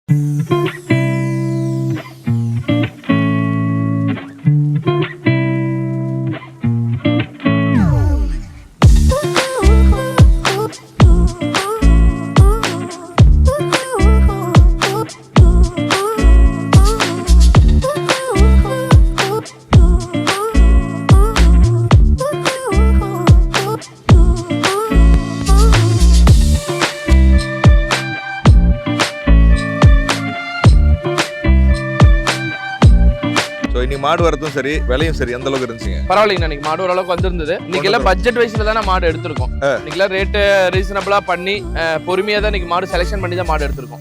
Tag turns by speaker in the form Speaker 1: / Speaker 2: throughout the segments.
Speaker 1: மாடு வரதும் சரி விலையும் சரி எந்த அளவுக்கு இருந்துச்சுங்க?
Speaker 2: பரவாயில்லைங்க, இன்னைக்கு மாடு ஓரளவுக்கு வந்திருந்தது. இன்னைக்கு எல்லாம் பட்ஜெட் வைஸ்ல தான் மாடு எடுத்திருக்கோம். இன்னைக்கு எல்லாம் ரேட்டு ரீசனபிளா பண்ணி பொறுமையா தான் இன்னைக்கு மாடு செலக்ஷன் பண்ணி தான் மாடு எடுத்திருக்கோம்.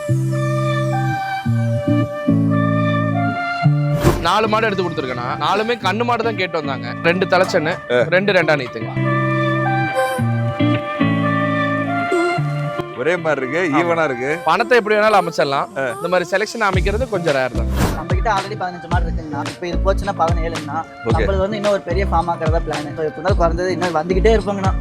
Speaker 2: 4 மாடு எடுத்து கொடுத்துருக்கேன்னா 4மே கண்ணு மாடு தான் கேட்டு வந்தாங்க. 2 தலைச்சன்னு 2 ரெண்டா நீத்துங்க.
Speaker 1: ஒரே மாதிரி இருக்கு, ஈவனா இருக்கு.
Speaker 2: பணத்தை எப்படி வேணாலும் அமைச்சிடலாம். இந்த மாதிரி செலக்ஷன் அமைக்கிறது கொஞ்சம் ரேர் தான்.
Speaker 3: நம்ம கிட்ட ஆல்ரெடி 15 மாடு இருக்குங்கண்ணா. இப்போ இது போச்சுன்னா 17ங்கண்ணா. நம்மளுக்கு வந்து இன்னும் ஒரு பெரிய ஃபார்ம் ஆக்கிறதா பிளான். இப்போ எப்படினாலும் குறைஞ்சது இன்னும் வந்துகிட்டே இருப்பாங்கண்ணா.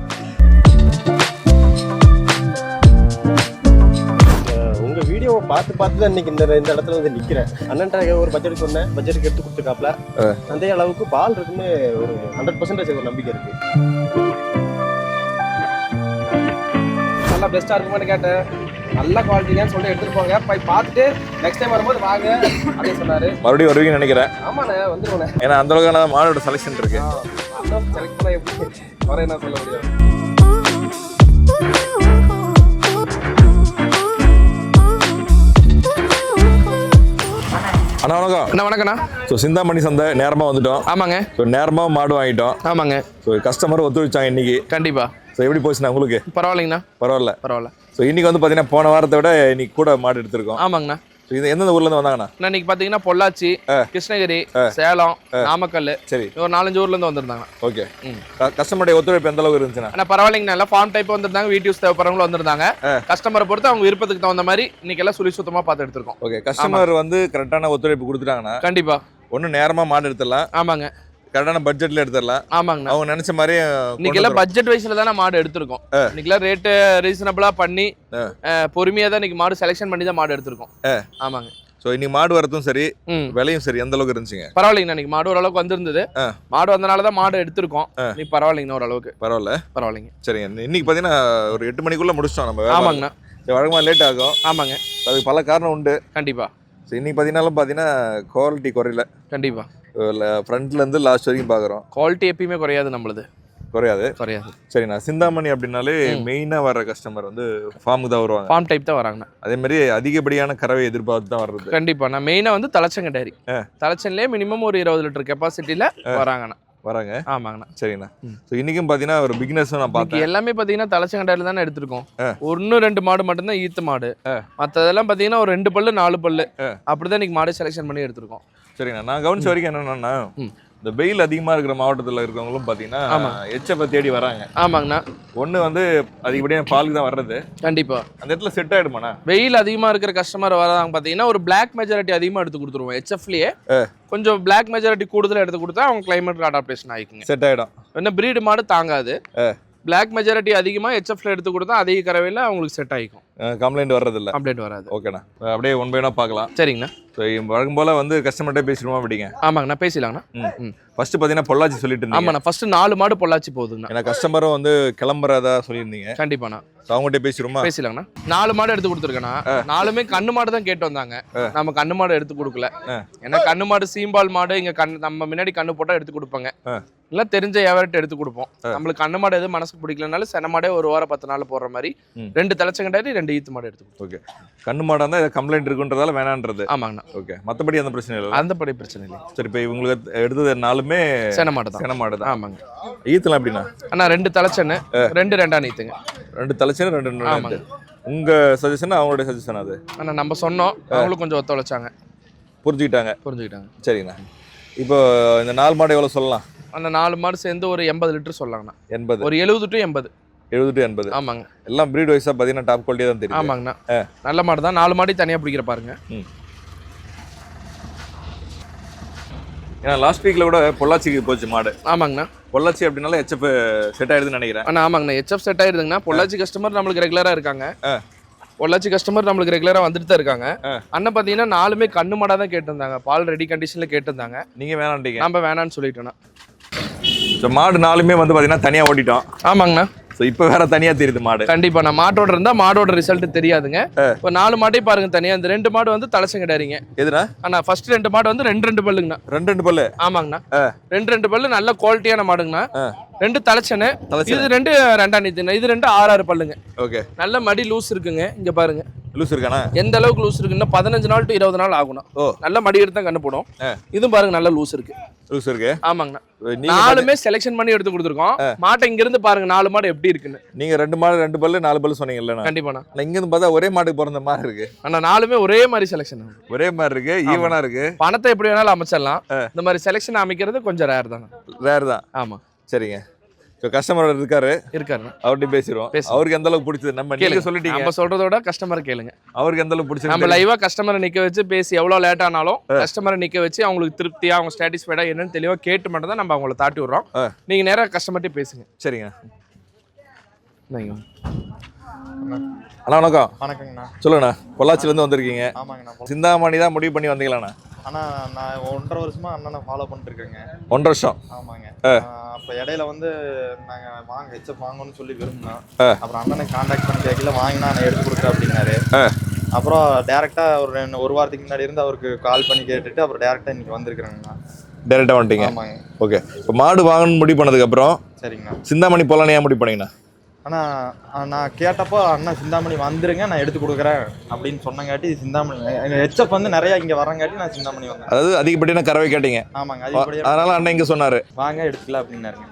Speaker 4: உங்க வீடியோவை பார்த்து தான் இன்னைக்கு இந்த இடத்துல வந்து நிக்கிறேன். அண்ணன்ட்ட ஒரு பட்ஜெட் சொன்னேன், பட்ஜெட்டுக்கு எடுத்து கொடுத்துருக்காப்ல. அந்த அளவுக்கு பால் இருக்குன்னு ஒரு 100% ஒரு நம்பிக்கை இருக்கு.
Speaker 5: நல்லா பெஸ்ட்டாக இருக்குமான்னு கேட்டேன். நல்ல குவாலிட்டியான்னு சொல்லி எடுத்துட்டு போங்க, போய் பார்த்துட்டு நெக்ஸ்ட் டைம் வரும்போது வாங்க அப்படின்னு சொன்னாரு.
Speaker 1: மறுபடியும் வருவீங்கன்னு நினைக்கிறேன்.
Speaker 5: ஆமாண்ணே, வந்துருவேன்.
Speaker 1: ஏன்னா அந்த அளவுக்கான மாடோட செலக்ஷன் இருக்கு.
Speaker 5: செலக்ட் பண்ண எப்படி வர என்ன சொல்ல முடியும்.
Speaker 1: அண்ணா வணக்கம்.
Speaker 2: என்ன வணக்கண்ணா.
Speaker 1: ஸோ சிந்தாமணி சந்தை நேரமாக வந்துட்டோம்.
Speaker 2: ஆமாங்க.
Speaker 1: ஸோ நேரமாக மாடு வாங்கிட்டோம்.
Speaker 2: ஆமாங்க.
Speaker 1: ஸோ கஸ்டமர் ஒத்துழைச்சாங்க இன்னைக்கு.
Speaker 2: கண்டிப்பா.
Speaker 1: ஸோ எப்படி போச்சுண்ணா உங்களுக்கு?
Speaker 2: பரவாயில்லைங்கண்ணா.
Speaker 1: பரவாயில்ல. ஸோ இன்னைக்கு வந்து பார்த்தீங்கன்னா போன வாரத்தை விட இன்னைக்கு கூட மாடு எடுத்திருக்கோம்.
Speaker 2: ஆமாங்கண்ணா.
Speaker 1: ஸோ இது எந்தெந்த ஊர்லேருந்து வந்தாங்கண்ணா?
Speaker 2: இன்னைக்கு பார்த்தீங்கன்னா பொள்ளாச்சி, கிருஷ்ணகிரி, சேலம், நாமக்கல், சரி ஒரு 4-5 ஊர்ல இருந்து வந்திருந்தாங்க.
Speaker 1: ஓகே. கஸ்டமருடைய ஒத்துழைப்பு எந்த அளவுக்கு இருந்துச்சுன்னா?
Speaker 2: ஆனால் பரவாயில்லைங்கண்ணா. எல்லாம் ஃபார்ம் டைப் வந்திருந்தாங்க, வீட்டு யூஸ் தேவைப்படுறவங்களும் வந்திருந்தாங்க. கஸ்டமரை பொறுத்து அவங்க விருப்பத்துக்கு தகுந்த மாதிரி இன்னைக்கு எல்லாம் சுழி சுத்தமாக பார்த்து எடுத்திருக்கோம்.
Speaker 1: ஓகே. கஸ்டமர் வந்து கரெக்டான ஒத்துழைப்பு கொடுத்துட்டாங்கன்னா
Speaker 2: கண்டிப்பா
Speaker 1: ஒன்றும் நேரமாக மாடு எடுத்துடலாம்.
Speaker 2: ஆமாங்க.
Speaker 1: கரெக்டான பட்ஜெட்ல எடுத்துடலாம்.
Speaker 2: ஆமாங்கண்ணா.
Speaker 1: அவங்க நினைச்ச மாதிரி
Speaker 2: இன்னைக்கு எல்லாம் பட்ஜெட் வைஸ்ல தான் மாடு எடுத்திருக்கோம். இன்னைக்கு எல்லாம் ரேட்டு ரீசனபிளா பண்ணி பொறுமையா தான் இன்னைக்கு மாடு செலக்ஷன் பண்ணி தான் மாடு எடுத்திருக்கோம். ஆமாங்க.
Speaker 1: ஸோ இன்னைக்கு மாடு வரதும் சரி விலையும் சரி எந்த அளவுக்கு இருந்துச்சுங்க?
Speaker 2: பரவாயில்லைங்கண்ணா. இன்னைக்கு மாடு ஓரளவுக்கு வந்திருந்தது. மாடு வந்தனால தான் மாடு எடுத்திருக்கோம். இன்னைக்கு பரவாயில்லைங்கண்ணா, ஓரளவுக்கு பரவாயில்லைங்க.
Speaker 1: சரிங்க. இன்னைக்கு பார்த்தீங்கன்னா ஒரு 8 மணிக்குள்ள முடிச்சிட்டோம் நம்ம.
Speaker 2: ஆமாங்கண்ணா.
Speaker 1: வழக்கமாக லேட் ஆகும்.
Speaker 2: ஆமாங்க.
Speaker 1: அதுக்கு பல காரணம் உண்டு.
Speaker 2: கண்டிப்பா.
Speaker 1: ஸோ இன்னைக்கு பார்த்தீங்கன்னா குவாலிட்டி குறையல.
Speaker 2: கண்டிப்பா.
Speaker 1: ஃப்ரண்ட்ல இருந்து லாஸ்ட் வரைக்கும் பார்க்குறோம்.
Speaker 2: குவாலிட்டி எப்பயுமே குறையாது, நம்மளுது குறையாது.
Speaker 1: சரிண்ணா. சிந்தாமணி அப்படின்னாலே மெயினாக வர கஸ்டமர் வந்து ஃபார்முக்கு தான் வருவாங்க.
Speaker 2: ஃபார்ம் டைப் தான் வராங்கண்ணா. அதே
Speaker 1: மாதிரி அதிகப்படியான கறவை எதிர்பார்த்து தான் வர்றது.
Speaker 2: கண்டிப்பா. நான் மெயினாக வந்து தலைச்சங்க டேரி, தலைச்சன்லேயே மினிமம் ஒரு 20 லிட்டர் கெப்பாசிட்டியில் வராங்கண்ணா. ஆமாங்கண்ணா.
Speaker 1: சரிண்ணா. ஸோ இன்னைக்கும் பார்த்தீங்கன்னா ஒரு பிகினர்ஸும் நான் பார்த்தேன்.
Speaker 2: எல்லாமே பார்த்தீங்கன்னா தலைச்சங்க டேரியில் தானே எடுத்திருக்கோம். 1-2 மாடு மட்டும்தான் ஈத்து மாடு. மற்றதெல்லாம் பார்த்தீங்கன்னா ஒரு 2 பல்லு 4 பல்லு அப்படிதான் இன்னைக்கு மாடு செலெக்ஷன் பண்ணி எடுத்திருக்கோம்.
Speaker 1: சரிண்ணா. நான் கவனிச்ச வரைக்கும் என்னன்னா இந்த வெயில் அதிகமாக இருக்கிற மாவட்டத்தில் இருக்கிறவங்களும் பார்த்தீங்கன்னா எச்சப்பை தேடி வராங்க.
Speaker 2: ஆமாங்கண்ணா.
Speaker 1: ஒன்று வந்து அதிகப்படியாக பாலுக்கு தான் வர்றது.
Speaker 2: கண்டிப்பா.
Speaker 1: அந்த இடத்துல செட் ஆகிடுமாண்ணா?
Speaker 2: வெயில் அதிகமாக இருக்கிற கஸ்டமர் வராங்க பார்த்தீங்கன்னா ஒரு பிளாக் மெஜாரிட்டி அதிகமாக எடுத்து கொடுத்துருவோம். ஹெச்எஃப்லேயே கொஞ்சம் பிளாக் மெஜாரிட்டி கூடுதலாக எடுத்து கொடுத்தா அவங்க கிளைமேட் அடாப்டேஷன் ஆகிக்குங்க, செட் ஆகிடும். என்ன பிரீடு மாடு தாங்காது. பிளாக் மெஜாரிட்டி அதிகமாக ஹெச்எஃப்ல எடுத்து கொடுத்தா அதிக கறவையில் அவங்களுக்கு செட் ஆகிக்கும். கம்ப்ளைண்ட் வர்றதில்ல. கம்ப்ளைண்ட் வராது. ஓகேண்ணா. அப்படியே ஒன் பை ஒன்னா பார்க்கலாம். சரிங்கண்ணா. ஸோ வழக்கம் போல் வந்து கஸ்டமர்கிட்ட பேசிடுவோம் அப்படிங்க. ஆமாங்கண்ணா, பேசிடலாங்கண்ணா. ஃபர்ஸ்ட் பார்த்தீங்கன்னா பொள்ளாச்சி சொல்லிட்டு இருந்தீங்க. ஆமாண்ணா. ஃபர்ஸ்ட் 4 மாடு பொள்ளாச்சி போகுதுங்கண்ணா. ஏன்னா கஸ்டமரும் வந்து கிளம்புறதா சொல்லியிருந்தீங்க. கண்டிப்பாண்ணா. ஸோ அவங்ககிட்ட பேசிடுமா? பேசிடலாங்கண்ணா. 4 மாடு எடுத்து கொடுத்துருக்கேண்ணா. 4மே கண்ணு மாடு தான் கேட்டு வந்தாங்க. நம்ம கண்ணு மாடு எடுத்து கொடுக்கல. ஏன்னா கண்ணு மாடு சீம்பால் மாடு இங்கே நம்ம முன்னாடி கண்ணு போட்டால் எடுத்து கொடுப்பாங்க. இல்லை தெரிஞ்ச வியாபாரத்தை எடுத்து கொடுப்போம். நம்மளுக்கு கண்ணு மாடு எதுவும் மனசுக்கு பிடிக்கலனாலும் சென மாடே 1 வாரம் 10 நாள் போடுற மாதிரி 2 தலைச்சங்கண்டாரி 2 ஈத்து மாடு எடுத்து. ஓகே. கண்ணு மாடாக இருந்தால் கம்ப்ளைண்ட் இருக்குன்றதால வேணான்றது. ஆமாங்கண்ணா. ஓகே. மற்றபடி அந்த பிரச்சனை இல்லை. அந்த படி பிரச்சனை இல்லை. சரி. இப்போ இவங்களுக்கு எடுத்தது 4மே சென மாடு தான். சென மாடு தான். ஆமாங்க. ஈத்துலாம் எப்படின்னா? அண்ணா 2 தலைச்சன்னு 2 ரெண்டா நீத்துங்க. 2 தலைச்சன்னு 2 ஆமாங்க. உங்க சஜஷன் அவங்களுடைய சஜஷன் அது? அண்ணா நம்ம சொன்னோம், அவங்களும் கொஞ்சம் ஒத்துழைச்சாங்க, புரிஞ்சுக்கிட்டாங்க. சரிங்கண்ணா. இப்போ இந்த 4 மாடு எவ்வளோ சொல்லலாம்? அந்த 4 மாடு சேர்ந்து ஒரு 80 லிட்டர் சொல்லலாங்கண்ணா. 80 ஒரு 70 to 80. 70 to 80. ஆமாங்க. எல்லாம் பிரீட் வைஸாக பார்த்தீங்கன்னா டாப் குவாலிட்டியாக தான் தெரியும். ஆமாங்கண்ணா. நல்ல மாடு தான். 4 மாடி தனியாக பிடிக்கிற பாருங்க. ஏன்னா லாஸ்ட் வீக்கில் கூட பொள்ளாச்சிக்கு போச்சு மாடு. ஆமாங்கண்ணா. பொள்ளாச்சி அப்படின்னால ஹெச்எஃப் செட் ஆயிடுதுன்னு நினைக்கிறேன். ஆமாங்கண்ணா. ஹெச்எஃப் செட் ஆயிடுதுங்கண்ணா. பொள்ளாச்சி கஸ்டமர் நம்மளுக்கு ரெகுலராக இருக்காங்க. பொள்ளாச்சி கஸ்டமர் நம்மளுக்கு ரெகுலரா வந்துட்டு தான் இருக்காங்க. அண்ணன் பாத்தீங்கன்னா 4மே கண்ணு மாடா தான் கேட்டிருந்தாங்க, பால் ரெடி கண்டிஷன்ல கேட்டிருந்தாங்க.
Speaker 1: நீங்க வேணாண்டீங்க,
Speaker 2: நம்ம வேணான்னு சொல்லிட்டோம்னா.
Speaker 1: மாடு 4மே வந்து பாத்தீங்கன்னா தனியா ஓட்டிட்டோம்.
Speaker 2: ஆமாங்கண்ணா.
Speaker 1: இப்ப வேற தனியா தெரியுது மாடு.
Speaker 2: கண்டிப்பா நான் மாட்டோட இருந்தா மாடோட ரிசல்ட் தெரியாதுங்க. இப்போ 4 மாட்டையும் பாருங்க தனியா. இந்த 2 மாடு வந்து தலைச்சங்கடாரிங்க.
Speaker 1: எதுனா
Speaker 2: ஆனா ஃபர்ஸ்ட் 2 மாடு வந்து 2 பல்லுங்கண்ணா.
Speaker 1: 2 பல்லு.
Speaker 2: ஆமாங்கண்ணா. 2 பல்லு நல்ல குவாலிட்டியான மாடுங்கண்ணா. 2 தலைச்சனு. இது 2 ரெண்டாம் நீத்துண்ணா. இது 2 6 பல்லுங்க.
Speaker 1: ஓகே.
Speaker 2: நல்ல மடி லூஸ் இருக்குங்க. இங்க பாருங்க
Speaker 1: லூஸ் இருக்கானா?
Speaker 2: எந்த அளவுக்கு லூஸ் இருக்குன்னா 15 நாள் டு 20 நாள் ஆகும்ண்ணா. நல்ல மடி எடுத்து தான் கண்ணு போடும். இதுவும் பாருங்க நல்ல லூஸ் இருக்கு. லூஸ் இருக்கு. ஆமாங்கண்ணா. 4மே செலக்ஷன் பண்ணி எடுத்து கொடுத்துருக்கோம். மாட்டை இங்க இருந்து பாருங்க 4 மாடு எப்படி இருக்குன்னு.
Speaker 1: நீங்க 2 மாடு 2 பல்லு 4 பல்லு சொன்னீங்கல்ல?
Speaker 2: கண்டிப்பாண்ணா.
Speaker 1: இங்க இருந்து பார்த்தா ஒரே மாட்டுக்கு பிறந்த மாதிரி இருக்கு.
Speaker 2: ஆனா 4மே ஒரே மாதிரி செலக்ஷன்,
Speaker 1: ஒரே மாதிரி இருக்கு, ஈவனா இருக்கு.
Speaker 2: பணத்தை எப்படி வேணாலும் அமைச்சிடலாம். இந்த மாதிரி செலக்ஷன் அமைக்கிறது கொஞ்சம் ரேர் தானே.
Speaker 1: ரேர் தான்.
Speaker 2: ஆமா.
Speaker 1: சரிங்க. கஸ்டமர் இருக்காரு, அவர்கிட்ட பேசிடுவோம். அவருக்கு எந்த அளவுக்கு பிடிச்சது நம்ம நீங்க சொல்லிட்டீங்க.
Speaker 2: நம்ம சொல்றதோட கஸ்டமர் கேளுங்க.
Speaker 1: அவருக்கு எந்த அளவுக்கு பிடிச்சது.
Speaker 2: நம்ம லைவா கஸ்டமரை நிக்க வச்சு பேசி எவ்வளவு லேட் ஆனாலும் கஸ்டமரை நிக்க வச்சு அவங்களுக்கு திருப்தியா அவங்க சாட்டிஸ்ஃபைடா என்னன்னு தெளிவா கேட்டு மட்டும் தான் நம்ம அவங்கள தாட்டி விடுறோம். நீங்க நேரா கஸ்டமர்கிட்ட பேசுங்க.
Speaker 1: சரிங்க.
Speaker 6: அண்ணா வணக்கம்.
Speaker 5: வணக்கங்கண்ணா.
Speaker 6: சொல்லுங்கண்ணா. பொள்ளாச்சில இருந்து வந்திருக்கீங்க.
Speaker 5: ஆமாங்கண்ணா.
Speaker 6: சிந்தாமணி தான் முடிவு பண்ணி வந்தீங்களாண்ணா?
Speaker 5: அண்ணா நான் 1.5 வருஷமா அண்ணனை ஃபாலோ பண்ணிட்டு இருக்கேங்க.
Speaker 6: 1.5 வருஷம்.
Speaker 5: ஆமாங்க. அப்போ இடையில வந்து நாங்கள் ஹெச்எப் வாங்கணும்னு சொல்லி விரும்பினோம். அப்புறம் அண்ணனை கான்டாக்ட் பண்ணி கேட்கல, வாங்கினா நான் எடுத்து கொடுக்குறேன் அப்படின்னாரு. அப்புறம் டேரெக்டாக ஒரு வாரத்துக்கு முன்னாடி இருந்து அவருக்கு கால் பண்ணி கேட்டுட்டு அப்புறம் டேரெக்டாக இன்னைக்கு வந்திருக்கிறேங்கண்ணா.
Speaker 6: டேரெக்டாக வந்துட்டீங்க?
Speaker 5: ஆமாங்க.
Speaker 6: ஓகே. இப்போ மாடு வாங்கணும்னு முடிவு பண்ணதுக்கப்புறம்
Speaker 5: சரிங்கண்ணா.
Speaker 6: சிந்தாமணி போகலான்னு ஏன் முடிவு பண்ணீங்கண்ணா?
Speaker 5: ஆனால் நான் கேட்டப்போ அண்ணா சிந்தாமணி வந்துருங்க நான் எடுத்து கொடுக்குறேன் அப்படின்னு சொன்னங்காட்டி சிந்தாமணி எங்கள் ஹெச்எப் வந்து நிறையா இங்கே வரங்காட்டி நான் சிந்தாமணி வந்தேன்.
Speaker 6: அதாவது அதிகப்படியான கறவை கேட்டீங்க?
Speaker 5: ஆமாங்க. அதிகப்படியாக.
Speaker 6: அதனால அண்ணன் இங்கே சொன்னார்
Speaker 5: வாங்க எடுத்துக்கலாம் அப்படின்னாருங்க.